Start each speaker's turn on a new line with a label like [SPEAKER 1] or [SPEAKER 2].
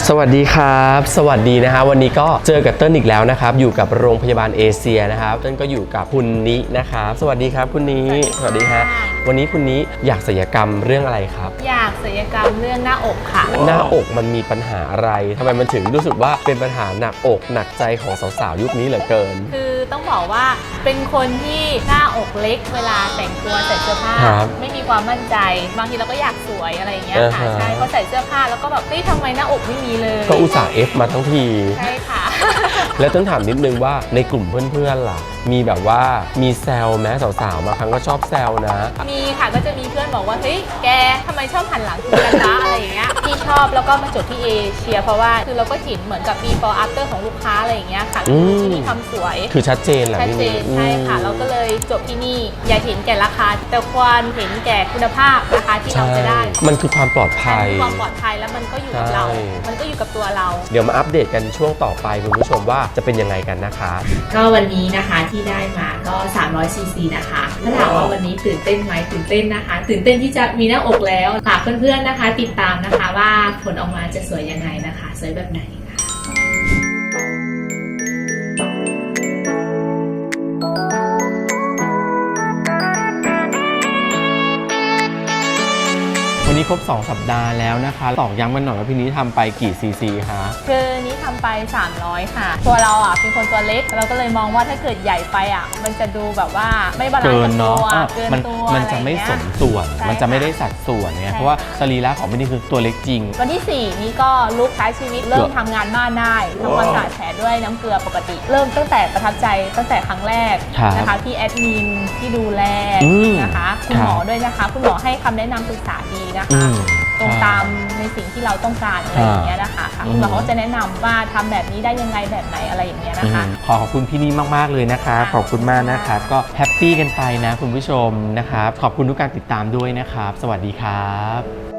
[SPEAKER 1] สวัสดีครับสวัสดีนะฮะวันนี้ก็เจอกับเติ้ลอีกแล้วนะครับอยู่กับโรงพยาบาลเอเชียนะครับเติ้ลก็อยู่กับคุณนินะครับสวัสดีครับคุณนิสวัสดีฮะวันนี้คุณนิอยากศัลยกรรมเรื่องอะไรครับ
[SPEAKER 2] อยากศัลยกรรมเรื่องหน้าอกค่ะ
[SPEAKER 1] หน้าอกมันมีปัญหาอะไรทำไมมันถึงรู้สึกว่าเป็นปัญหาหนักอกหนักใจของสาวๆยุคนี้เหลือเกิน
[SPEAKER 2] คือต้องบอกว่าเป็นคนที่หน้าอกเล็กเวลาแต่งตัวใส่เสื้อผ้าไม่มีความมั่นใจบางทีเราก็อยากสวยอะไรอย่างเงี้ยค่ะใช่พอใส่เสื้อผ้าแล้วก็แบบเฮ้ยทำไมหน้าอกไม่มีเลย
[SPEAKER 1] ก็อุตส่าห์เอฟมาทั้งที
[SPEAKER 2] ใช่ค่ะ
[SPEAKER 1] แล้วต้องถามนิดนึงว่าในกลุ่มเพื่อนๆล่ะมีแบบว่ามีแซวแม้สาวๆมาครั้งก็ชอบแซวนะ
[SPEAKER 2] มีค่ะก็จะมีเพื่อนบอกว่าเฮ้ยแกทำไมชอบหันหลังคุยกันนะอะไรอย่างเงี้ยที่ชอบแล้วก็มาจดที่เอเชียเพราะว่าคือเราก็เห็นเหมือนกับ before after ของลูกค้าอะไรอย่างเงี้ยค่ะที่มีความสวย
[SPEAKER 1] คือชัดเจนแหละ
[SPEAKER 2] ชัดเจนใช่ค่ะเราก็เลยจบที่นี่อย่าเห็นแก่ราคาแต่ควรเห็นแก่คุณภาพนะคะที่เราจะได้
[SPEAKER 1] มันคือความปลอดภัย
[SPEAKER 2] ความปลอดภัยแล้วมันก็อยู่กับเรามันก็อยู่กับตัวเรา
[SPEAKER 1] เดี๋ยวมาอัปเดตกันช่วงต่อไปคุณผู้ชมว่าจะเป็นยังไงกันนะคะ
[SPEAKER 2] ก็วันนี้นะคะที่ได้มาก็300 ซีซีนะคะถ้าถามว่าวันนี้ตื่นเต้นไหมตื่นเต้นนะคะตื่นเต้นที่จะมีหน้าอกแล้วฝากเพื่อนๆนะคะติดตามนะคะว่าผลออกมาจะสวยยังไงนะคะสวยแบบไหน
[SPEAKER 1] วันนี้ครบ2 สัปดาห์แล้วนะคะตอกย้ำกันหน่อยว่าพี่นี้ทำไปกี่ซีซีคะ
[SPEAKER 2] คือนี้ทำไป300ค่ะตัวเราอ่ะเป็นคนตัวเล็กเราก็เลยมองว่าถ้าเกิดใหญ่ไปอ่ะมันจะดูแบบว่าไม่บาลานซ์กับตัวเกินตัว
[SPEAKER 1] มันจะไม่สมส่วนมันจะไม่ได้สัดส่วนเนี่ยเพราะว่าสรีระของพี่นี่คือตัวเล็กจริง
[SPEAKER 2] วันที่4นี้ก็ลุกใช้ชีวิตเริ่มทำงานบ้านได้ทำความสะอาดแผลด้วยน้ำเกลือปกติเริ่มตั้งแต่ประทับใจตั้งแต่ครั้งแรกนะคะที่แอดมินที่ดูแลนะคะคุณหมอด้วยนะคะคุณหมอให้คำแนะนำปรึกษาดีนะคะตรงตามในสิ่งที่เราต้องการอะไรอย่างเงี้ยนะคะคุณหมอเขาจะแนะนำว่าทำแบบนี้ได้ยังไงแบบไหนอะไรอย่างเงี้ยนะคะ
[SPEAKER 1] ขอบคุณพี่นี่มากๆเลยนะคะขอบคุณมากนะครับก็แฮปปี้กันไปนะคุณผู้ชมนะครับขอบคุณทุกการติดตามด้วยนะครับสวัสดีครับ